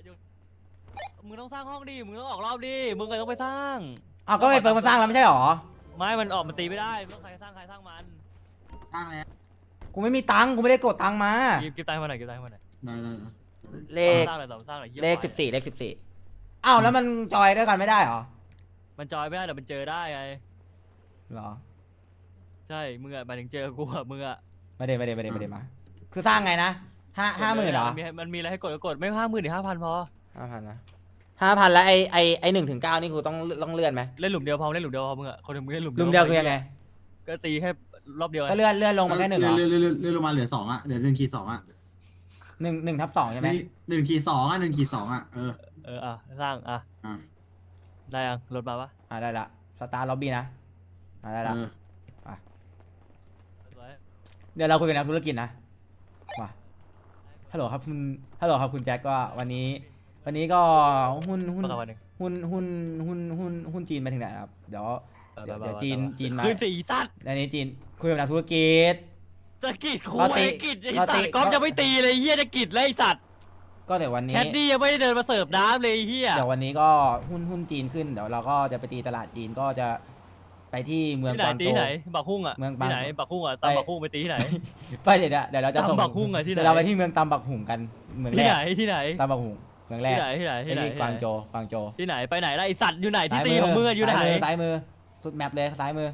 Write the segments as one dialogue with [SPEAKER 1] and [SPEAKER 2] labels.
[SPEAKER 1] มึงต้องสร้างห้องดิมึงต้องออกรอบดิมึงก็ต้องไปสร้าง
[SPEAKER 2] อ้าวก็ไอ้เฟิร์นมาสร้างแล้วไม่ใช่หรอ
[SPEAKER 1] ไม่มันออกมันตีไม่ได้ต้องใครสร้างมัน
[SPEAKER 3] ตั้งแล้ว
[SPEAKER 2] กูไม่มีตังค์กูไม่ได้กดตังค์มา
[SPEAKER 1] เก็บตังค์มาหน่อยเก็บตังค์มาหน่อย
[SPEAKER 2] เลข
[SPEAKER 1] สร้างอะไรต่อสร้างอะไร
[SPEAKER 2] เลข14เลข14อ้าวแล้วมันจอยด้วยกันไม่ได้หรอ
[SPEAKER 1] มันจอยไม่ได้แต่มันเจอได้ไง
[SPEAKER 2] เหรอ
[SPEAKER 1] ใช่มึงอะหมายถึงเจอกูอะมึงอะ
[SPEAKER 2] ไม่ได้มาคือสร้างไงนะห้าหมื่นเหรอ
[SPEAKER 1] มันมีอะไรให้กดก็กดไม่50,000หรือ5,000พอ
[SPEAKER 2] 5,000นะ5,000แล้วไอ1 ถึง 9นี่กูต้องเลื่อนไหม
[SPEAKER 1] เล่นหลุมเดียวพอเล่นหลุมเดียวพอมึงอะคนหนึ่งมึงเล่นหลุม
[SPEAKER 2] ลุมเดียวคือยังไง
[SPEAKER 1] ก็ตีแค่รอบเดียว
[SPEAKER 2] ก็เลื่อนลงมาแค่หนึ่งเหรอ
[SPEAKER 3] เลื่อนลงมาเหลือ2อ่ะเหลือ1-2อ่ะ
[SPEAKER 2] 1/2ใช่ไหม
[SPEAKER 3] 1-2อ่ะ1-2อ่ะ
[SPEAKER 1] อ่ะสร้างอ่ะ
[SPEAKER 3] อ่า
[SPEAKER 1] ได้ยังรถมาปะ
[SPEAKER 2] ได้ละสตาร์ล็อบบี้นะได้ละเดี๋ยวเราคุยกันนะธุรกิจนะมาฮัลโหลครับคุณแจ็คก็วันนี้ก็หุ้น
[SPEAKER 1] ประมาณนึง
[SPEAKER 2] หุ้นจีนไปถึงไหนครับเดี๋ยวจีนมา
[SPEAKER 1] คืนสีสัตว์
[SPEAKER 2] อันนี้จีนคุยกับนักธุรกิจ
[SPEAKER 1] จะกิดคุยกิดไอ้สัตว์ก๊อฟจะไม่ตีเลยเฮียจะกิดเลยไอ้สัตว์
[SPEAKER 2] ก็เดี๋ยววันนี้
[SPEAKER 1] แคดดี้ยังไม่ได้เดินมาเสิร์ฟน้ำเลยเฮีย
[SPEAKER 2] เดี๋ยววันนี้ก็หุ้นจีนขึ้นเดี๋ยวเราก็จะไปตีตลาดจีนก็จะไปที่เมือง
[SPEAKER 1] ที่ไหน
[SPEAKER 2] กวาง
[SPEAKER 1] ตี
[SPEAKER 2] โจว
[SPEAKER 1] ไหนบักฮุ่งอ่ะ
[SPEAKER 2] เมือง
[SPEAKER 1] ที่ไหน
[SPEAKER 2] บาง
[SPEAKER 1] บักฮุ่งอ่ะตามบักฮุ่งไปตีที่ไหน
[SPEAKER 2] ไปเดี๋ยวเราจะส่ง
[SPEAKER 1] ตำบักหุ่งอะที่ไหน
[SPEAKER 2] เดี๋ยวเราไปที่เมืองตำบักหุ่งกันเมืองแร
[SPEAKER 1] ที่ไหน
[SPEAKER 2] ก
[SPEAKER 1] ที่ไหน
[SPEAKER 2] ตำบักหุ่งเมืองแรก
[SPEAKER 1] ที่ไหน
[SPEAKER 2] ไอ้ที่กวางโจว
[SPEAKER 1] ที่ไหนไปไหนล่ะไอสัตว์อยู่ไหนที่ตีของมึงอะอยู่ไหน
[SPEAKER 2] ซ้ายมือสุดแมปเลยซ้ายมือ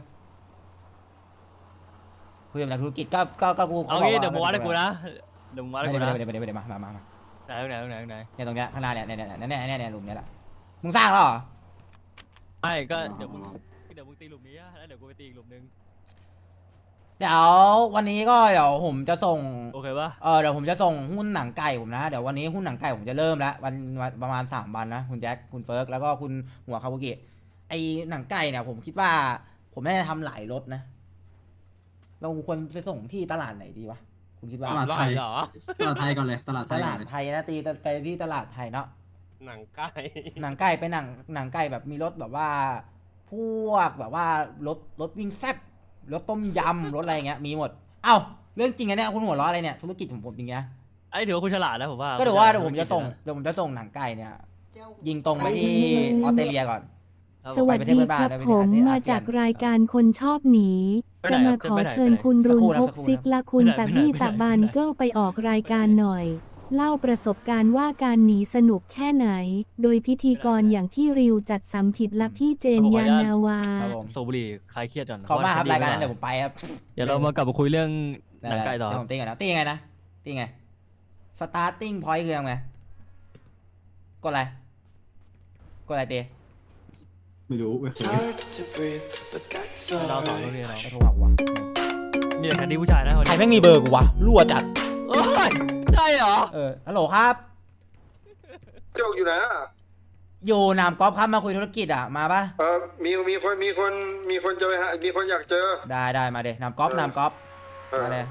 [SPEAKER 2] คุยกับนักธุรกิจก็กู
[SPEAKER 1] เอางี้เดี๋ยวมึงวัดให้กูนะเดี๋ยวมึงวัดให้กูนะ
[SPEAKER 2] ไม่ได้มา
[SPEAKER 1] ไหน
[SPEAKER 2] เนี่ยตรงเนี้ยข้างหน้าเนี่ยหลุมเนี้ยแหละมึงสร้างแล้วเหรอ
[SPEAKER 1] ไม่ก็เดี๋ยวมึงตีหลุมนี้แล้วเดี๋ยวกูไปตีอีกหลุมนึง
[SPEAKER 2] เดี๋ยววันนี้ก็เดี๋ยวผมจะส่ง
[SPEAKER 1] โอเคปะ
[SPEAKER 2] เดี๋ยวผมจะส่งหุ้นหนังไก่ผมนะเดี๋ยววันนี้หุ้นหนังไก่ผมจะเริ่มแล้ววันประมาณ3 วันนะคุณแจ็คคุณเฟิร์กแล้วก็คุณหัวคาบุกิไอหนังไก่เนี่ยผมคิดว่าผมน่าจะทำหลายรถนะเราควรไปส่งที่ตลาดไหนดีวะคุณคิดว่า
[SPEAKER 3] ตลาดไทย
[SPEAKER 1] เหรอ
[SPEAKER 3] ตลาดไทยก่อนเลยตลาดไท
[SPEAKER 2] ต
[SPEAKER 3] ย
[SPEAKER 2] ลาดไทยนะตีไปที่ตลาดไทยเนาะ
[SPEAKER 4] หนังไก่
[SPEAKER 2] หนังไก่ไปหนังไก่แบบมีรถแบบว่าพวกแบบว่ารถวิ่งแซ่บรถต้มยำรถอะไรเงี้ยมีหมดเอ้าเรื่องจริงอะเนี่ยคุณหัวเราะอะไรเนี่ยธุรกิจของผมจริงนะ
[SPEAKER 1] ไอ้ถือว่าคุณฉลาดนะผมว่า
[SPEAKER 2] ก็เดี๋ยวผมจะส่งหนังไก่เนี่ย ยิงตรงไปที่ออสเตรเลียก่อน
[SPEAKER 5] สวัสดีครับผมมาจากรายการคนชอบหนี จะมาขอเชิญคุณรุนพกซิกและคุณตะบี้ตะบันเกิลไปออกรายการหน่อย เล่าประสบการณ์ว่าการหนีสนุกแค่ไหน โดยพิธีกรอย่างพี่ริวจัดสำผิดและพี่เจนยานาวา
[SPEAKER 2] ครับผม
[SPEAKER 1] โซบุรีคลายเครียดก่อน
[SPEAKER 2] ขอบมากครับรายการนั้นเดี๋ยวผมไปครับ
[SPEAKER 1] เดี๋ยวเรามากลับมาคุยเรื่องหนังไก่ต่อ
[SPEAKER 2] เดี๋ยวผมตีก่อนนะตียังไงนะตีไง starting point คือยังไงกดอะไรตี
[SPEAKER 3] ไม่รู้ไม่เคย
[SPEAKER 1] เราสองคนนี้เรา
[SPEAKER 2] ไม่โทรหากูวะ
[SPEAKER 1] มีแต่แคดดี้ผู้ชายนะคน
[SPEAKER 2] ใคร
[SPEAKER 1] นี้
[SPEAKER 2] แม่งมีเบอร์กูวะรั่วจัด
[SPEAKER 1] เอ้ยใช่เหรอ
[SPEAKER 2] ฮัลโหลครับ
[SPEAKER 6] โจกอยู่ไหนอ่ะ
[SPEAKER 2] อยู่หนามกอล์ฟครับมาคุยธุรกิจอ่ะมาปะ
[SPEAKER 6] มีคนจะไปหามีคนอยากเจอ
[SPEAKER 2] ได้มาเดหนามกอล์ฟมาเลย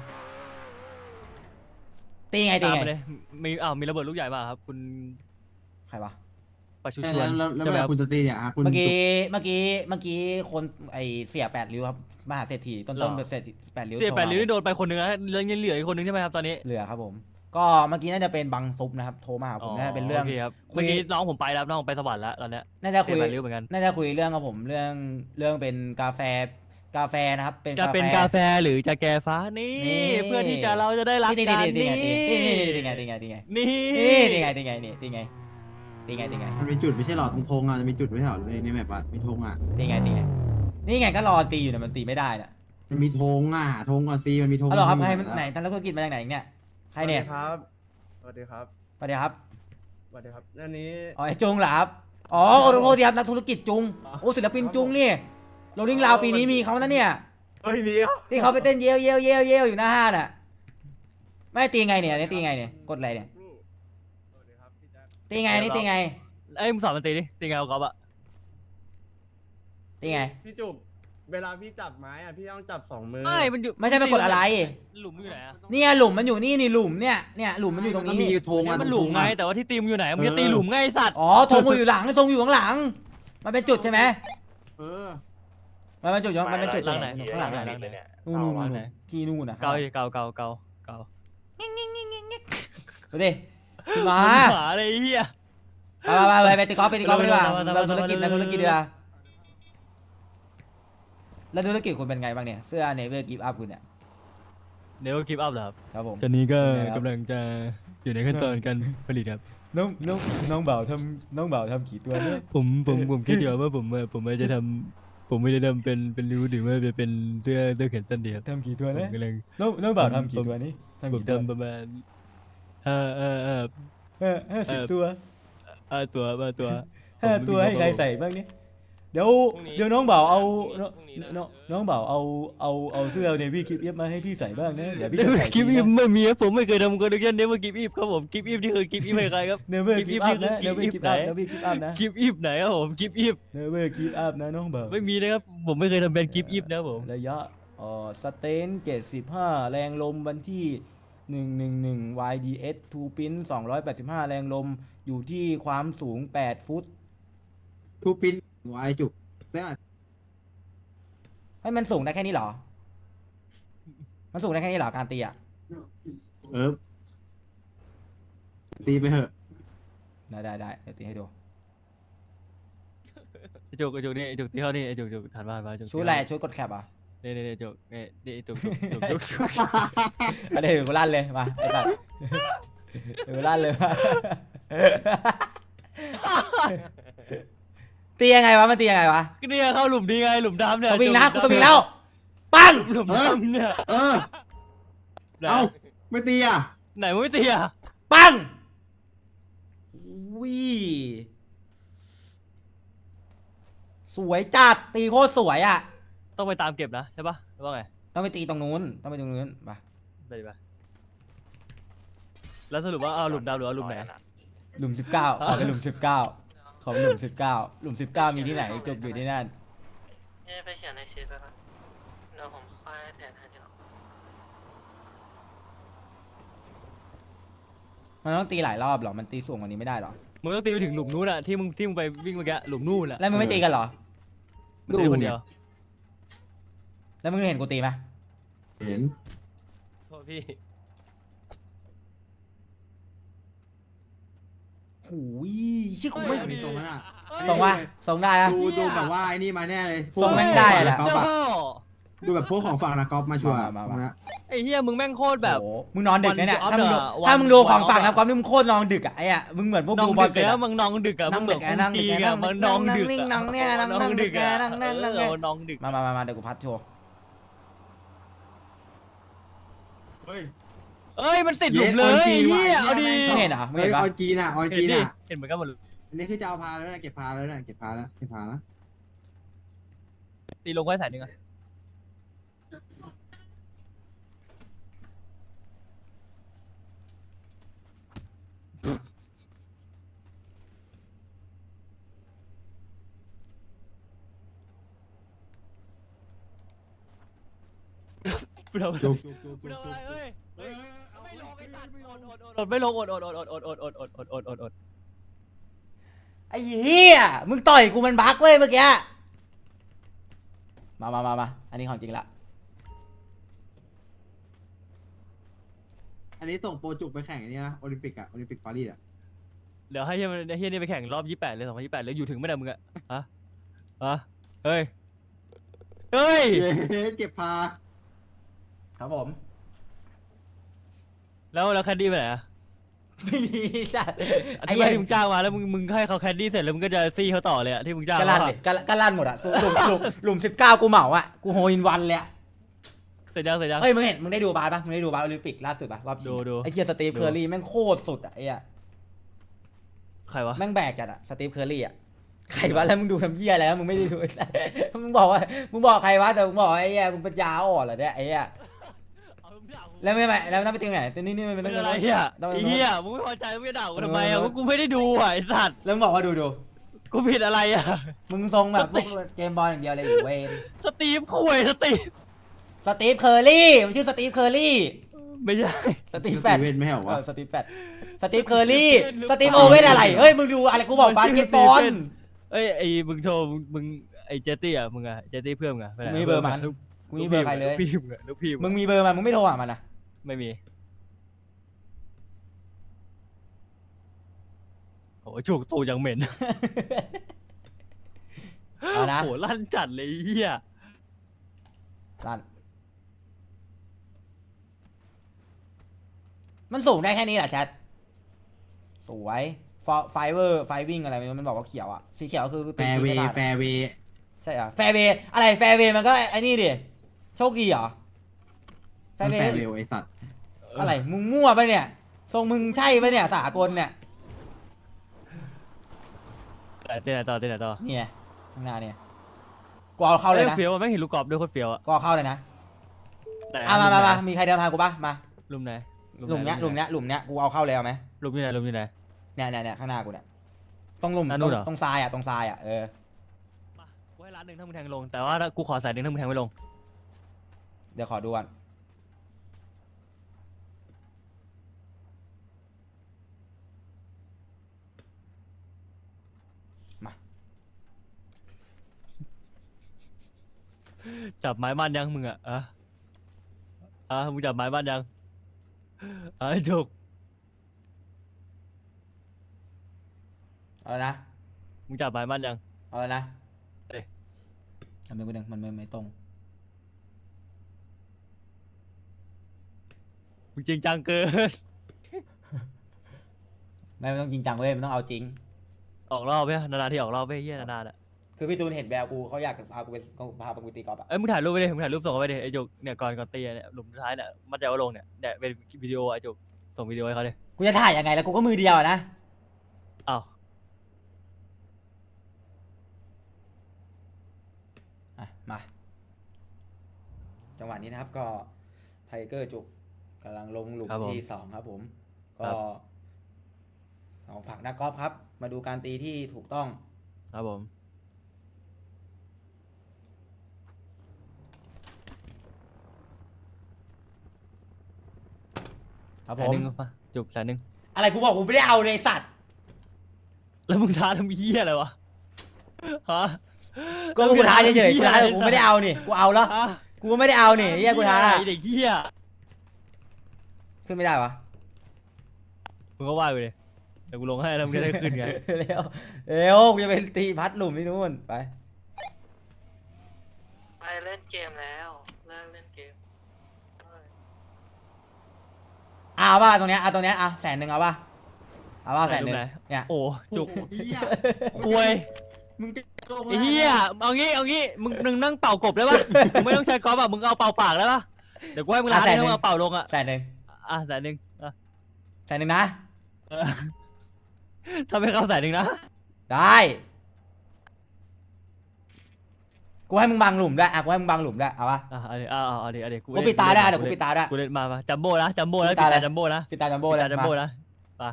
[SPEAKER 2] ตีไง
[SPEAKER 1] ตามมาเลยมีระเบิดลูกใหญ่มาครับคุณ
[SPEAKER 2] ใครวะ
[SPEAKER 1] ประชุชวน
[SPEAKER 3] แล้ว
[SPEAKER 1] ใช่ไหม
[SPEAKER 3] เว
[SPEAKER 1] ค
[SPEAKER 3] ลา
[SPEAKER 1] รับ
[SPEAKER 3] คุณจะตีเนี่ยคุณ
[SPEAKER 2] เมื่อกี้คนไอเสีย8 ริ้วครับมหาเศรษฐีต้นเป็นเศรษฐี8 ริ้ว
[SPEAKER 1] เสียแปดริ้วนี่โดนไปคนหนึ่งนะแล้วยังเหลืออีกคนหนึ่งใช่ไหมครับตอนนี้
[SPEAKER 2] เหลือครับผม ก็เมื่อกี้น่าจะเป็นบังซุปนะครับโทรมาหาผมน่าจะเป็นเรื่อง
[SPEAKER 1] โอเคครับ
[SPEAKER 2] คุย
[SPEAKER 1] เมื่อกี้น้องผมไปแล้วน้องผมไปสวรรค์แล้วตอนเนี้ย
[SPEAKER 2] น่าจะคุย
[SPEAKER 1] เสียแปดริ้วเหมือนกัน
[SPEAKER 2] น่าจะคุยเรื่องกับผมเรื่องเป็นกาแฟนะครับเป็น
[SPEAKER 1] จะเป็นกาแฟหรือจะแกฟ้านี่
[SPEAKER 2] นี่
[SPEAKER 1] เพื่อที่จะเราจะได้รักกันนี่
[SPEAKER 2] ตีไง
[SPEAKER 1] นี่
[SPEAKER 3] มันมีจุดไม่ใช่หรอตรงธงอ่ะจะมีจุดไม่ใช่หรอในแมปอ่ะมีธงอ่ะ
[SPEAKER 2] ตีไงนี่ไงก็รอตีอยู่เนี่ยมันตีไม่ได้น่ะ
[SPEAKER 3] มันมีธงอ่ะธงก่อนซีมันมีธง
[SPEAKER 2] ฮัลโหลครับใครไหนทางธุรกิจมาจากไหนเนี่ยใครเนี่ย
[SPEAKER 4] สวัสดีครับ
[SPEAKER 2] สวัสดีครับ
[SPEAKER 4] สวัสดีครับอันนี้
[SPEAKER 2] อ๋อไอ้จุงเหรอครับอ๋อโอ้โหดีครับนักธุรกิจจุงโอ้ศิลปินจุงนี่โรลลิ่งลาวปีนี้มีเขานะเนี่ย
[SPEAKER 4] เฮ้ยมีครับ
[SPEAKER 2] ที่เขาไปเต้นเยลอยู่หน้าห้างน่ะไม่ตีไงเนี่ยตีไงเนี่ยกดอะไรเนี่ย
[SPEAKER 4] สวัสดีครับพี่แจ๊ค
[SPEAKER 2] ตีไงนี่ตีไง
[SPEAKER 1] ไอ้ยมึงสอนมันตีดิตีไงเอากอล์ฟอะ
[SPEAKER 2] ตีไง
[SPEAKER 4] พี่จุกเวลาพี่จับไม้อ่ะพี่ต้องจับ2 มือ
[SPEAKER 1] ไม่มันอยู่
[SPEAKER 2] ไม่ใช่ไปกดอะไร
[SPEAKER 1] หลุมอยู่ไหนอะ
[SPEAKER 2] เนี่ยหลุมมันอยู่นี่หลุมเนี่ยหลุมมันอยู่ตรง
[SPEAKER 3] ก็
[SPEAKER 2] นี้
[SPEAKER 3] มีธงอ่ะ
[SPEAKER 1] มันหลุมไงแต่ว่าที่ตีมอยู่ไหนมึงจะตีหลุมไงไอ้สัตว์
[SPEAKER 2] อ๋อธงอยู่หลังธงอยู่ข้างหลัง มันเป็นจุดใช่ไหม
[SPEAKER 3] เออ
[SPEAKER 2] มันเป็นจุดมันเป็นจุด
[SPEAKER 1] หลังไหน
[SPEAKER 2] ข้างหลัง
[SPEAKER 1] หลังไหน
[SPEAKER 2] นู่นที่นู่นนะ
[SPEAKER 1] เกาเกา
[SPEAKER 2] ดูดิขึ้นมา
[SPEAKER 1] หมาเลยไอ้เหี้ย
[SPEAKER 2] ไปตีกอล์ฟไปตีกอล์ฟดีกว่าเราธุรกิจดีกว่าแล้วธุรกิจคุณเป็นไงบ้างเนี่ยเสื้อเนเวอร์กิฟต์อัพคุณเนี่ย
[SPEAKER 1] เดี๋ยวคลิปอัพเหรอครับ
[SPEAKER 2] ครับผม
[SPEAKER 1] ตอนนี้ก็
[SPEAKER 2] เป็นไงครับ
[SPEAKER 1] กำลังจะอยู่ในขั้นตอนการผลิตครับ
[SPEAKER 2] น้องบ่าวทำกี่ตัวเนี่ย
[SPEAKER 1] ผมคิดอยู่ว่าผมจะทำผมไม่ได้ทำเป็นริ้วหรือว่าจะเป็นเสื้อแขนสั้นเดียว
[SPEAKER 2] ทำกี่ตัว
[SPEAKER 1] ผม
[SPEAKER 2] เนี่ย
[SPEAKER 1] กำลัง
[SPEAKER 2] น้องบ่าวทำกี่ตัวนี่ทำ
[SPEAKER 1] ผม
[SPEAKER 2] กี่ตัว
[SPEAKER 1] ทำประมาณ
[SPEAKER 2] 50 ตัว
[SPEAKER 1] ตัว
[SPEAKER 2] 5 ตัวให้ใครใส่บ้างเนี่ยเดี๋ยวน้องบ่าวเอาน้องบ่าวเอาเสื้อเนวี่กิฟต์มาให้พี่ใส่บ้างนะเดี๋ยวพี่
[SPEAKER 1] เดี๋ยว
[SPEAKER 2] จะใส่
[SPEAKER 1] คลิปอีฟไม่มีครับผมไม่เคยทำคอนเทนต์เนเวอร์คลิปอีฟครับผมคลิปอีฟนี่คือคลิปอีฟให้ใครครับ
[SPEAKER 2] เนเวอร์กิฟต์อัพนะ
[SPEAKER 1] คลิ
[SPEAKER 2] เน
[SPEAKER 1] ป
[SPEAKER 2] เวอ
[SPEAKER 1] อี
[SPEAKER 2] ร์
[SPEAKER 1] ฟ
[SPEAKER 2] กิฟต์
[SPEAKER 1] ไหน
[SPEAKER 2] อัพนะเนเวอร์กิฟต์อัพนะ
[SPEAKER 1] คลิปอีฟไหนครับผมคลิปอีฟ
[SPEAKER 2] เนเวอร์กิฟต์อัพนะน้องบ่าว
[SPEAKER 1] ไม่มีนะครับผมไม่เคยทำแบรนด์คลิปอีฟนะครับผม
[SPEAKER 2] ระยะสเตน75 แรงลมวันที่111 YDS 2 Pin 285 แรงลมอยู่ที่ความสูง8 ฟุต
[SPEAKER 3] ทูปินหัวไอจุกได้
[SPEAKER 2] ให้มันสูงได้แค่นี้เหรอ มันสูงได้แค่นี้เหรอการตีอ่ะ
[SPEAKER 3] ตีไปเถอะ
[SPEAKER 2] ได้เดี๋ยวตีให้ดู
[SPEAKER 1] ไอจุกนี่ไอจุกที่เขานี่ไอจุกถัดมาจุก
[SPEAKER 2] ชุดอะไรชุดกดแคปอ่ะ
[SPEAKER 1] นี่จุกนี่ไอจุก
[SPEAKER 2] อันนี้ถึงกูลั่นเลยมาไอ้สัตว์ถึงกูลั่นเลยมาตียังไงวะมันตียังไงวะ
[SPEAKER 1] ก็เนี่ยเข้าหลุมดีไงหลุมดำเนี่ย
[SPEAKER 2] สวิงนะกูสวิงแล้วปัง
[SPEAKER 1] หลุมดำเนี่ย
[SPEAKER 3] เอ้าไม่ตีอ่ะ
[SPEAKER 1] ไหนมึงไม่ตีอ่ะ
[SPEAKER 2] ปังวิสวยจัดตีโคตรสวยอ่ะ
[SPEAKER 1] ต้องไปตามเก็บนะใช่ปะหรือว่าไง
[SPEAKER 2] ต้องไปตีตรงนู้นไป
[SPEAKER 1] ไปแล้วสรุปว่าเอาหลุมดำหรือว่าหลุมไหน
[SPEAKER 2] หลุม19ขอเป็นหลุม19ขอเป็นหลุม19หลุม19มีที่ไหนจบอยู่ที่นั่น
[SPEAKER 7] ไปเขียนในชีตไปครับเดี๋ยวผมค่อยแทนให้เดี๋ยว
[SPEAKER 2] มันต้องตีหลายรอบเหรอมันตีสูงกว่านี้ไม่ได้เหรอ
[SPEAKER 1] มึงต้องตีไปถึงหลุมนู้นอะที่มึงไปวิ่งเมื่อกี้หลุมนู่นอะ
[SPEAKER 2] แล้วมึงไม่ตีกันเหรอ
[SPEAKER 1] มึงตีคนเดียว
[SPEAKER 2] แล้วมึงเห็นกูตีไหม
[SPEAKER 3] เห็น
[SPEAKER 1] โทษพี่
[SPEAKER 2] โอ้ยชื่อกูไม่
[SPEAKER 3] มีตรงนั้นอ่ะ
[SPEAKER 2] ส่งว่าส่งได้อะ
[SPEAKER 3] ดูแบบว่าไอ้นี่มาแน่เลย
[SPEAKER 2] ทรงแม่งได้อะแหละ
[SPEAKER 3] กอล์ฟ
[SPEAKER 1] เจ้า
[SPEAKER 3] อะดูแบบพวกของฝั่งนักกอล์ฟมาชัวร์
[SPEAKER 2] มา
[SPEAKER 3] ตรงนั้น
[SPEAKER 1] ไอ้เฮียมึงแม่งโคตรแบบ
[SPEAKER 2] โอ้โหมึงนอนดึกนะเนี่ย
[SPEAKER 1] วัน
[SPEAKER 2] ถ้ามึงดู
[SPEAKER 1] วัน
[SPEAKER 2] ของฝั่ง
[SPEAKER 1] วัน
[SPEAKER 2] นะความนี่มึงโคตรนอนดึกอะไอ้อะมึงเหมือนพวก
[SPEAKER 1] น้อง
[SPEAKER 2] ดูบอ
[SPEAKER 1] ดึ
[SPEAKER 2] ล
[SPEAKER 1] ก
[SPEAKER 2] เสร็จ
[SPEAKER 1] แล้
[SPEAKER 2] อะ
[SPEAKER 1] วมึงน้องดึกอะมึ
[SPEAKER 2] นั่
[SPEAKER 1] ง
[SPEAKER 2] ง
[SPEAKER 1] เหมื
[SPEAKER 2] ดึ
[SPEAKER 1] อน
[SPEAKER 2] ก
[SPEAKER 1] คน
[SPEAKER 2] นั่งดึ
[SPEAKER 1] จี
[SPEAKER 2] ก
[SPEAKER 1] นอะมึงน้องดึก
[SPEAKER 2] นิ่งๆนั่งเนี่ยนั่ง
[SPEAKER 1] น้องดึกอะ
[SPEAKER 2] นั่ง
[SPEAKER 1] น้องดึก
[SPEAKER 2] มาเดี๋ยวกูพัดโชว์
[SPEAKER 3] เฮ้ย
[SPEAKER 1] เอ้ยมันติดหลุมเลยเฮียเอาดี
[SPEAKER 2] มึงเห็นเหรอมึงเห็นปะ
[SPEAKER 3] ออนจีนอ่ะออน
[SPEAKER 1] เห็
[SPEAKER 3] จี
[SPEAKER 1] น
[SPEAKER 3] น
[SPEAKER 1] ดิ
[SPEAKER 3] อ่ะ
[SPEAKER 1] เห็นเหมือนกันหมดเลย
[SPEAKER 3] อันนี้คือจะเอาพาแล้วนะเก็บพาแล้วนะเก็บพาแล้วนะ
[SPEAKER 1] ตีลงไว้สายหนึ่งอะ กูทำอะไร
[SPEAKER 3] จุก
[SPEAKER 1] กูทำอะไรเอ้ยไม่ลงไอ้สัตว์อดไม่ลงอด
[SPEAKER 2] ไอ้เหี้ยมึงต่อยกูมันบั๊กเว้ยเมื่อกี้มาอันนี้ของจริงละ
[SPEAKER 3] อันนี้ส่งโปรจุกไปแข่งอันนี้นะโอลิมปิกอะโอลิมปิกปารีสอะ
[SPEAKER 1] เดี๋ยวให้เฮียนี่ไปแข่งรอบ28เลย2028แล้วอยู่ถึงไม่ได้มึงอะฮะเฮ้ย
[SPEAKER 3] เก็บพา
[SPEAKER 2] ครับผม
[SPEAKER 1] แล้วแคดดี้ไปไหนอะ
[SPEAKER 2] ไม่มีสัตว์
[SPEAKER 1] ไอ้ที่มึงจ้างมาแล้วมึงให้เขาแคดดี้เสร็จแล้วมึงก็จะซี่เขาต่อเลยอะที่มึงจ้าง
[SPEAKER 2] กะลั่นดิกะลั่นหมดอะหลุม19กูเหมาอะกูโฮอินวันเลยอะ
[SPEAKER 1] เสร็จยัง
[SPEAKER 2] เฮ้ยมึงเห็นมึงได้ดูบาสปะมึงได้ดูบาสโอลิมปิกล่าสุดปะรอบชิง
[SPEAKER 1] ดู
[SPEAKER 2] ไอ้เฮียสตีฟเคอร์รี่แม่งโคตรสุดอะไอ้อะ
[SPEAKER 1] ใครวะ
[SPEAKER 2] แม่งแบกจัดอะสตีฟเคอร์รี่อะใครวะแล้วมึงดูทำเหี้ยอะไรแล้วมึงไม่ได้ดู มึงบอกว่ามึงบอกใครวะแต่มึงบอกไอ้เหี้ยมึงปัญญาอ่อนเหรอเนี่ยไอ้เหี้ยแล้วไม่แล้วนั่นไปจริงไหนตัวนี้มัน
[SPEAKER 1] เป็
[SPEAKER 2] ต้อง
[SPEAKER 1] นอะไรเฮีย
[SPEAKER 2] ต้อง
[SPEAKER 1] ไอ้เฮียมึงไม่พอใจมึงไม่ด่ากูทำไมอะกูไม่ได้ดูอ่ะไอ้สัตว์
[SPEAKER 2] แล้วมึงบอกว่าดู
[SPEAKER 1] กูผิดอะไรอะ
[SPEAKER 2] มึงทรงแบบพวกเจมส์บอลอย่างเดียวเลยอยู่เวน
[SPEAKER 1] สตีฟคุยสตีฟ
[SPEAKER 2] สตีฟเคอร์รี่มันชื่อสตีฟเคอร์รี่
[SPEAKER 1] ไม่ใช่
[SPEAKER 2] สตีฟ
[SPEAKER 3] แฟ
[SPEAKER 2] แฟ
[SPEAKER 3] น
[SPEAKER 2] ต
[SPEAKER 3] เวนไม่เหรอวะ
[SPEAKER 2] สตีฟแฟตสตีฟเคอร์รี่สตีฟโอเว่นอะไรเฮ้ยมึงดูอะไรกูบอกบาสเกตบอล
[SPEAKER 1] เอ้ยไอ้มึงโทรมึงไอ้เจตตี้อะมึงอะเจตตี้เพื่อนมึงอะไปไหน
[SPEAKER 2] มีเบอร์มันกูมีเบอร์ใครเลย
[SPEAKER 1] ลูกพี่มึงอะลูกพี่
[SPEAKER 2] มึงมีเบอร์มันมึงไม่โทรหามันนะ
[SPEAKER 1] ไม่มีโอ้จุกตูยังเหม็น
[SPEAKER 2] เอานะ
[SPEAKER 1] โอ้ลั่นจัดเลยไอ้เฮีย
[SPEAKER 2] ลั่นมันสูงได้แค่นี้แหละแชทสวยไฟเวอร์ไฟวิ่งอะไรมันบอกว่าเขียวอ่ะสีเขียวคือ
[SPEAKER 3] แฟร์เวย์แฟร์เวย์
[SPEAKER 2] ใช่เหรอแฟร์เวย์อะไรแฟร์เวย์มันก็ไอ้นี่ดิโชคดีเหรอแฟ
[SPEAKER 3] มัน
[SPEAKER 2] ร์เว
[SPEAKER 3] แฟ
[SPEAKER 2] ย์
[SPEAKER 3] ร์เวย์ไอสัตว์
[SPEAKER 2] อะไรมึงมั่วไปะเนี่ยทรงมึงใช่ปะเนี่ยสากลเนี่ย
[SPEAKER 1] เต้นไหนต่อเต้นไหนต่อ
[SPEAKER 2] เนี่ยข้างหน้าเนี่ยกูเอาเข้าเลยนะ
[SPEAKER 1] เฟี้ยวอะแม่งเห็นลูกกรอบด้วยโคตรเฟี้ยวอะ
[SPEAKER 2] กูเอาเข้าเลยนะ
[SPEAKER 1] ไหน
[SPEAKER 2] มามีใครเดินมากูปะมา
[SPEAKER 1] ลุมไหน
[SPEAKER 2] หลุมเนี้ยกูเอาเข้าเลยเอาไหม
[SPEAKER 1] ลุมอยู่ไหนลุมอยู่ไหน
[SPEAKER 2] เนี่ยข้างหน้ากูเนี่ยตรงหลุม
[SPEAKER 1] อ่ะนู่นเหรอ
[SPEAKER 2] ตรงทรายอ่ะเออ
[SPEAKER 1] มากูให้ล้านหนึ่งถ้ามึงแทงลงแต่ว่าถ้ากูขอแสนหนึ่งถ้ามึงแทงไม่ลง
[SPEAKER 2] เดี๋ยวขอดูก่อนมา
[SPEAKER 1] จับไม้บ้านยังมึงอะมึงจับไม้บ้านยังไอ้จุก
[SPEAKER 2] เอาเลยนะ
[SPEAKER 1] มึงจับไม้บ้านยัง
[SPEAKER 2] เอาเลยนะ
[SPEAKER 1] เอ้ย
[SPEAKER 2] ทำไมกูดึงมันไม่ตรง
[SPEAKER 1] มึงจริงจังเกิน
[SPEAKER 2] ไม่ต้องจริงจังเว้ยมันต้องเอาจริง
[SPEAKER 1] ออกรอบไหมนานๆที่ออกรอบไหมเฮียนานๆอะ
[SPEAKER 2] คือพี่ตูนเห็นแววกูเขาอยากพากูไปตีกอล์ฟอ่ะ
[SPEAKER 1] เอ้ยมึงถ่ายรูปไปดิมึงถ่ายรูปส่งเขาไปดิไอ้จุกเนี่ยก่อนตีเนี่ยหลุมสุดท้ายเนี่ยมันจะเอาลงเนี่ยเป็นวิดีโอไอ้จุกส่งวิดีโอให้เขาดิ
[SPEAKER 2] กูจะถ่ายยังไงแล้วกูก็มือเดียวอะนะ
[SPEAKER 1] อ้าว
[SPEAKER 2] อ่ะมาจังหวะนี้นะครับก็ไทเกอร์จุกกำลังลงหลุมที่2ครับผม ก็สองฝั่งนักกอล์ฟครับ มาดูการตีที่ถูกต้อง
[SPEAKER 1] ครับผม
[SPEAKER 2] ครับ
[SPEAKER 1] แส
[SPEAKER 2] ผ
[SPEAKER 1] น
[SPEAKER 2] ม
[SPEAKER 1] หนึ่งมาจุกแสนหนึ่ง
[SPEAKER 2] อะไรกูบอกกูไม่ได้เอาเลยไอ้สัตว์
[SPEAKER 1] แล้วมึงท้าทำเหี้ยอะไรวะฮะ
[SPEAKER 2] ก็กูท้าเฉยๆกูท้ากูไม่ได้เอานี่กูเอาแล้ว
[SPEAKER 1] ฮะ
[SPEAKER 2] กูไม่ได้เอานี่เฮียกูท้า
[SPEAKER 1] ไอ้เด็กเหี้ย
[SPEAKER 2] ขึ้นไม่ได้วะ
[SPEAKER 1] มึงก็ว่ากูดิเดี๋ยวกูลงให้แล้วมึงจะได้ขึ้นไง
[SPEAKER 2] เร็วกูจะไปตีพัดหลุมที่นู่นไป
[SPEAKER 7] ไปเล่นเกมแล้วเลิกเล่นเกม
[SPEAKER 2] เอาป่ะตรงเนี้ยเอาตรงเนี้ยเอา100,000เอาป่ะเอาป่ะ100,000เนี่ย
[SPEAKER 1] โอ้จุก
[SPEAKER 3] เหี้ย
[SPEAKER 1] ควย
[SPEAKER 3] มึงจะโกง
[SPEAKER 1] ไอ้เหี้ยเอางี้มึงนั่งเป่ากบได้ปะมึงไม่ต้องใช้กอล์ฟอ่ะมึงเอาเป่าปากได้ปะเดี๋ยวกูให้มึงร้านนึงมึงเอาเป่าลงอ่ะ
[SPEAKER 2] 100,000
[SPEAKER 1] แสนหนึ่งอ่ะ
[SPEAKER 2] 100,000นะ
[SPEAKER 1] เออถ้าไม่เข้าแสนหนึ่งนะ
[SPEAKER 2] ได้กูให้มึงบังหลุมด้วยกูให้มึงบังหลุมด้วยเอาป่ะ
[SPEAKER 1] เอาดิ
[SPEAKER 2] กูปิดตาได้เดี๋ยวกูปิดตาได้
[SPEAKER 1] กูเล่นมาจัมโบ้นะจัมโบ้นะ
[SPEAKER 2] ปิ
[SPEAKER 1] ปิ
[SPEAKER 2] ด
[SPEAKER 1] ด
[SPEAKER 2] ตา
[SPEAKER 1] ตา
[SPEAKER 2] เลย
[SPEAKER 1] จัมโบ้นะ
[SPEAKER 2] ปิดตาจัมโบ้
[SPEAKER 1] ปิด
[SPEAKER 2] เลย
[SPEAKER 1] ตาจัม
[SPEAKER 2] มา
[SPEAKER 1] โบ้นะไป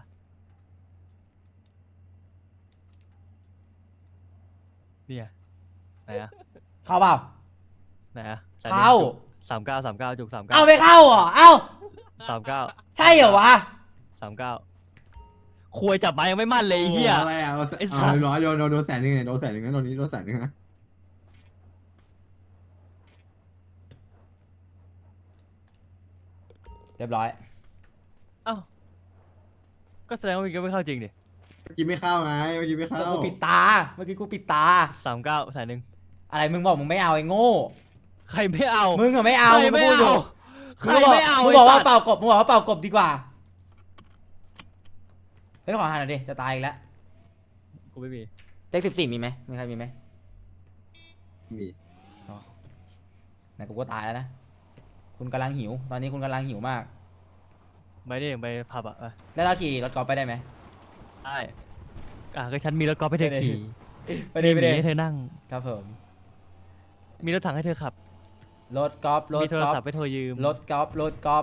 [SPEAKER 1] เนี่ยไหนอะ
[SPEAKER 2] เข้าเปล่า
[SPEAKER 1] ไหนอะ
[SPEAKER 2] เข้า
[SPEAKER 1] 39จุก39
[SPEAKER 2] เอาไม่เข้าเหรอเอ้า
[SPEAKER 1] 39
[SPEAKER 2] ใช่เหรอวะ
[SPEAKER 1] 39ควยจับไม้ยังไม่มั่นเลยไอ้เหี้ย
[SPEAKER 3] อะไรอ่ะ
[SPEAKER 1] ไอ้สัตว์
[SPEAKER 3] ร้อยโดน100,000เนี่ยโดน100,000นะตอนนี้โดน100,000นะ
[SPEAKER 2] เรียบร้อย
[SPEAKER 1] เอ้าก็แสดงว่ามึงก็ไม่เข้าจริงดิ
[SPEAKER 3] เมื่อกี้ไม่เข้าไงเมื่อกี้ไม่เข้า
[SPEAKER 2] กูปิดตาเมื่อกี้กูปิดตา
[SPEAKER 1] 39แสนหนึ่ง
[SPEAKER 2] อะไรมึงบอกมึงไม่เอาไอ้โง่
[SPEAKER 1] ใครไม่เอา
[SPEAKER 2] มึงอะไม่เอา
[SPEAKER 1] ใครไม่
[SPEAKER 2] งพูด
[SPEAKER 1] เอา
[SPEAKER 2] ยู่
[SPEAKER 1] ใครไม่เอา
[SPEAKER 2] มึงบอกว่า
[SPEAKER 1] ไสัตว์
[SPEAKER 2] เป่ากบมึงบอกว่าเป่ากบดีกว่าเฮ้ยขอหาหน่อยดิจะตายอีกแล้ว
[SPEAKER 1] กูไม่มี
[SPEAKER 2] เลข14มีไหมมีใครมีไหม
[SPEAKER 3] มี
[SPEAKER 2] ไหนกูก็ตายแล้วนะคุณกำลังหิว ตอนนี้คุณกำลังหิวมาก
[SPEAKER 1] ไม่ได้ไปผับอ่ะ
[SPEAKER 2] แล้วเราขี่รถกอล์ฟไปได้ไหม
[SPEAKER 1] ได้ก็ฉันมีรถกอล์ฟให้เธอขี่
[SPEAKER 2] ไปดิไป
[SPEAKER 1] มี
[SPEAKER 2] ดิ
[SPEAKER 1] ให้เธอนั่ง
[SPEAKER 2] ครับผม
[SPEAKER 1] มีรถถังให้เธอขับ
[SPEAKER 2] รถกอล์ฟรถ
[SPEAKER 1] มีโทร
[SPEAKER 2] กอล์ฟ
[SPEAKER 1] ศัพท์ให้เธอยืม
[SPEAKER 2] รถกอล์ฟรถกอล์ฟ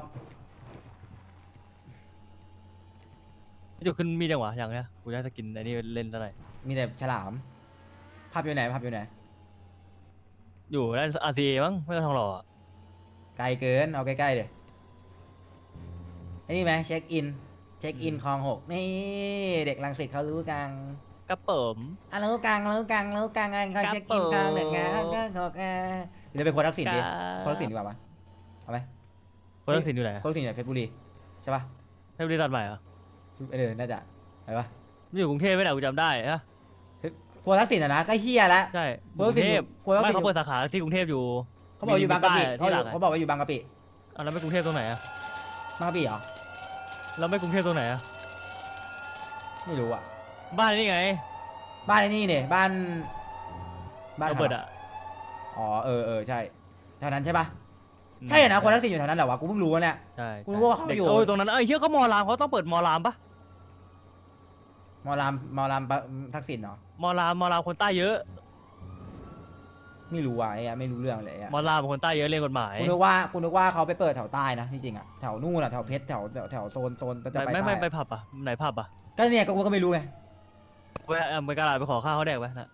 [SPEAKER 1] จุดขึ้นมีจังหวะอย่างเนี้ยกูได้สกินไอ้นี่เล่นเท่าไหร่
[SPEAKER 2] มีแต่ฉลามภาพอยู่ไหนภาพอยู่ไหน
[SPEAKER 1] อยู่ด้าน RCA มั้งไม่ก็ทองหล่ออะ
[SPEAKER 2] ไกลเกินเอาใกล้ๆเดี๋ยวไอ้นี่ไหมเช็คอินคลอง6นี่เด็กรังสิตเขารู้กัน
[SPEAKER 1] กระเปิม
[SPEAKER 2] รู้กังไงเขาเช็คอินคลอง1นะก็ขอกเดี๋ยวไปโคนทักษิณดิโคนทักษิณดีกว่าปะเอาไหม
[SPEAKER 1] คนทักษิณอยู่ไหน
[SPEAKER 2] โคนทักษิณอยู่เพชรบุรีใช่ปะ
[SPEAKER 1] ให้บริษัทใหม่เหรอ
[SPEAKER 2] น่าจะไปปะ
[SPEAKER 8] ไม่อยู่กรุงเทพไม่ไหนกูจำได้ฮะ
[SPEAKER 2] ครัวทักษิณนะก็เฮียแล้ว
[SPEAKER 8] ใช่
[SPEAKER 2] กรุงเทพ
[SPEAKER 8] กรุงเทพ
[SPEAKER 2] กรุงเทพ
[SPEAKER 8] ไม่เขาเปิดสาขาที่กรุงเทพอยู่
[SPEAKER 2] เขาบอกอยู่บางกะปิ
[SPEAKER 8] ที่หลัง
[SPEAKER 2] เขาบอกว่าอยู่บางกะปิ
[SPEAKER 8] อ่ะแล้วไม่กรุงเทพตรงไหนอ่ะ
[SPEAKER 2] บางกะปิเหรอ
[SPEAKER 8] แล้วไม่กรุงเทพตรงไหนอ่ะ
[SPEAKER 2] ไม่รู้อ่ะ
[SPEAKER 8] บ้านนี่ไง
[SPEAKER 2] บ้านไอ้นี่เนี่ยบ้าน
[SPEAKER 8] โรเบิร์ตอ่ะ
[SPEAKER 2] อ๋อใช่แถวนั้นใช่ปะใช่นะคนทักษิณอยู่แถวนั้นแหละวะกูเพิ่งรู้ว่าเนี่ย
[SPEAKER 8] ใช่
[SPEAKER 2] กูรู้ว่าเขา
[SPEAKER 8] เด็ก
[SPEAKER 2] อยู่
[SPEAKER 8] ตรงนั้นเฮียเขามอรามเขาต้องเปิดมอรามปะ
[SPEAKER 2] มอลามทักษิณเหรอ
[SPEAKER 8] มอรามคนใต้เยอะ
[SPEAKER 2] ไม่รู้ว่ะไอ้อะไม่รู้เรื่องเลยอะ
[SPEAKER 8] มอรามคนใต้เยอะเรียนกฎหมาย
[SPEAKER 2] กูนึกว่าเขาไปเปิดแถวใต้นะที่จริงอะแถวนู่นอะแถวเพชรแถวโซนจะไป
[SPEAKER 8] ไม่
[SPEAKER 2] ใต้
[SPEAKER 8] ไปผับอ่ะไหนผับอ่ะ
[SPEAKER 2] ก็เนี่ยกูก็ไม่รู้ไง
[SPEAKER 8] ไปกระดาษไปขอข้าวเขาแดกไปนะ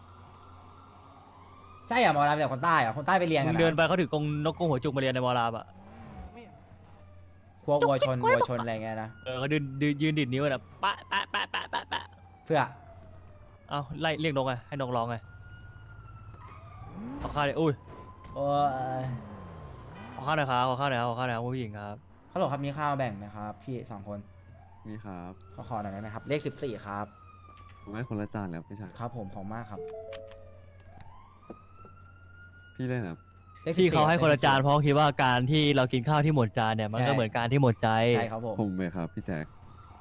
[SPEAKER 2] ใช่อะมอลามจากคนใต้อะคนใต้ไปเรียน
[SPEAKER 8] มึ
[SPEAKER 2] กัน
[SPEAKER 8] ง
[SPEAKER 2] นะ
[SPEAKER 8] เดินไปเขาถือกรงนกกรงหัวจุกมาเรียนในมอรามอ่ะ
[SPEAKER 2] พวกวัวชนอะไรเงี้ยนะ
[SPEAKER 8] เขายืนดิดนิ้วน่ะปะ
[SPEAKER 2] เพื่อ
[SPEAKER 8] เอาไล่เรียกนกไงให้นกร้องไงขอข้าวเลยอุ้ย
[SPEAKER 2] โอ้ย
[SPEAKER 8] ขอข้าวหน่อยครับคุณผู้หญิงครับ
[SPEAKER 2] เขาบอกครับมีข้าวแบ่งไหมครับพี่2 คน
[SPEAKER 9] มีครับ
[SPEAKER 2] ขอหน่อยได้ไหมครับเลข14ครับ
[SPEAKER 9] ผมให้คนละจานแล้วพี่ชาย
[SPEAKER 2] ครับผมของมากครับ
[SPEAKER 9] พี่เล่นครับ
[SPEAKER 2] เลข14
[SPEAKER 8] ที่เขาให้คนละจานเพราะคิดว่าการที่เรากินข้าวที่หมดจานเนี่ยมันก็เหมือนการที่หมดใจ
[SPEAKER 2] ใช่ครับผม
[SPEAKER 9] ผมเลยครับพี่แจ็ค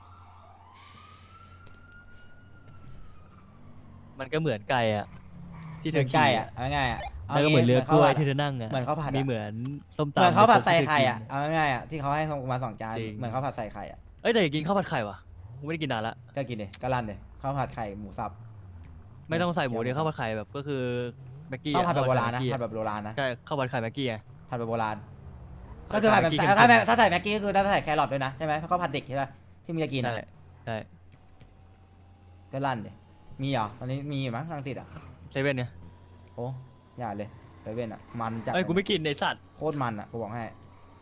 [SPEAKER 8] มันก็เหมือนไก่อะที่เธ
[SPEAKER 2] ถึ
[SPEAKER 8] อง
[SPEAKER 2] ใกล้
[SPEAKER 8] ขี่
[SPEAKER 2] อะเอาง่ายๆอะ
[SPEAKER 8] แล้วก็เหมือนเรือกล้วยที่เธอนั่งอะ
[SPEAKER 2] เหมือนข้าวผัดอะ
[SPEAKER 8] มีเหมือนส้ม
[SPEAKER 2] เหมือน
[SPEAKER 8] ตำ
[SPEAKER 2] ข้าวผัดใส่
[SPEAKER 8] ที่เธอ
[SPEAKER 2] ไข่
[SPEAKER 8] กิน
[SPEAKER 2] อะเอาง่ายๆอะที่เขาให้มา2 จาน
[SPEAKER 8] จริง
[SPEAKER 2] เหมือนข้าวผัดใส่ไข่อะ
[SPEAKER 8] เอ้ยแต่อยากกินข้าวผัดไข่ว่ะกูไม่ได้กินนานละ
[SPEAKER 2] ก็กินดิก็ลั่นดิข้าวผัดไข่หมูสับ
[SPEAKER 8] ไม่ต้องใส่หมูเดียวข้าวผัดไข่แบบก็คือแม็กกี้
[SPEAKER 2] ข้าวผัดแบบโบราณนะ
[SPEAKER 8] ข้ว
[SPEAKER 2] ผัด
[SPEAKER 8] ผัด
[SPEAKER 2] แบบโบราณนะ
[SPEAKER 8] ใช่ข้าวผัดไข่แม็กกี้ไง
[SPEAKER 2] ผัดแบบโบราณ
[SPEAKER 8] ผั
[SPEAKER 2] ก็
[SPEAKER 8] ด
[SPEAKER 2] คือผัดแบบ
[SPEAKER 8] แม็กกี้
[SPEAKER 2] ถ้าใส่แม็กกี้ก็คือถ้าใส่แครอทด้วยนะใช่ไหมเพราะข้าวผัดเด็กใช่ป่ะที่มึงจะกิน
[SPEAKER 8] ใช่
[SPEAKER 2] อะ
[SPEAKER 8] ใช่
[SPEAKER 2] ก็ลั่นดิมีเหรอตอนนี้มีอยู่มั้งรังสิตอะ
[SPEAKER 8] เซเว่นเนี่ย
[SPEAKER 2] โอ้อย่าเลยเซเว่นอะมันจัด
[SPEAKER 8] เอ้ยกูไม่กินในสัตว์
[SPEAKER 2] โคตรมันอะกูบอกให้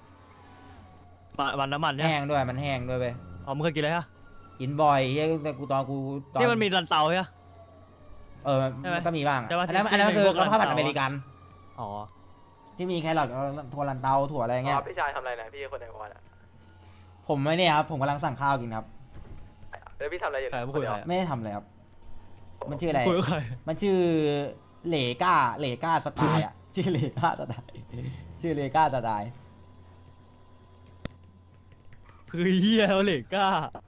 [SPEAKER 8] มันน้ำมันเนี่ย
[SPEAKER 2] แห้งด้วยมันแห้งด้วยเว้ย
[SPEAKER 8] อ๋อมึงเคยกินอะไรฮะ
[SPEAKER 2] กินบ่อยเฮ้ยแต่กูตอน
[SPEAKER 8] ที่มันมีรันเตาใช่ปะ ใช่ไหม
[SPEAKER 2] มันก็มีบ้างอะ
[SPEAKER 8] ใช่ปะ
[SPEAKER 2] อันนั้น
[SPEAKER 8] ที่
[SPEAKER 2] อันนั้น
[SPEAKER 8] ที่
[SPEAKER 2] คือ
[SPEAKER 8] พวก
[SPEAKER 2] ข้าวผัด
[SPEAKER 8] ร้าน
[SPEAKER 2] อเมริกัน
[SPEAKER 8] อ๋อ
[SPEAKER 2] ที่มีแครอทถั่วลันเตาถั่วอะไรเงี้ย
[SPEAKER 7] พี่ชายทำอะไรนะพี่คนในวันอ่ะ
[SPEAKER 2] ผมไม่เนี่ยครับผมกำลังสั่งข้าวกินครับ
[SPEAKER 7] แล้วพี่ทำอะไรอยู่
[SPEAKER 8] ใครไม่คุยกับใคร
[SPEAKER 2] ไม่ได้ทำอะไรครับ มันชื่ออะไร
[SPEAKER 8] คุยกับใคร
[SPEAKER 2] มันชื่อเหลก้าสไตล์อ่ะ ชื่อเหลก้าสไตล์ชื่อเหลก้าสไตล์
[SPEAKER 8] คือเฮียเอาเหล็กกล้า